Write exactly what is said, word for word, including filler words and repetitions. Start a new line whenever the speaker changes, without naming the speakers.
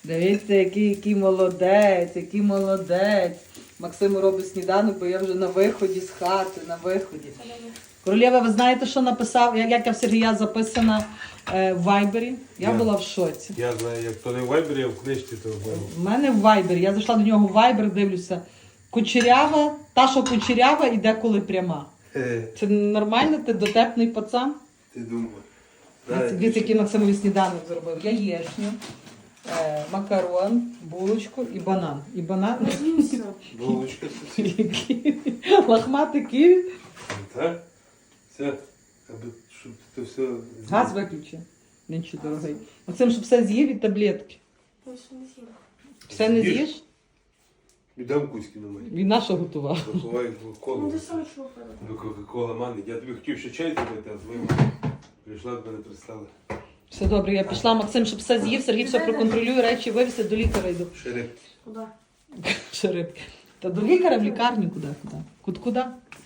Дивіться, який, який молодець, який молодець. Максим робить сніданок, бо я вже на виході з хати, на виході. Королєва, ви знаєте, що написав, як, як я в Сергія записана е, в Вайбері? Я,
Я.
була в шоці.
Я знаю, як то не в Вайбері, а в книжці, то в Вайбері.
У мене в Вайбері. Я зайшла до нього в Вайбер, дивлюся. Кучерява, та, що кучерява, і деколи пряма.
Е,
Це нормально? Ти дотепний пацан?
Ти думав.
Дивіться, дивіться, який Максимові сніданок зробив. Яєчню, е, макарон, булочку і банан. І банан.
Булочка.
Який лахматий ківі.
Так? Все. Аби, щоб ти все...
Газ виключи. Нічого дорогий. Максим, щоб все з'їв і таблетки. Все не
З'їж?
з'їш?
Віддам кузьки на мене.
Він наша готував.
Заховай
Ну,
колу.
ти сам що пила?
До Кока-Кола мани. Я тобі хотів ще чай зробити, а злив. Прийшла, до мене пристала.
Все добре, я пішла. Максим, щоб все з'їв, Сергій все проконтролює, речі вивезти, до лікаря йду.
Шериф.
Куди?
Ще рибки. Та до лікаря в лікарню куди? Куди? Куди? Куди?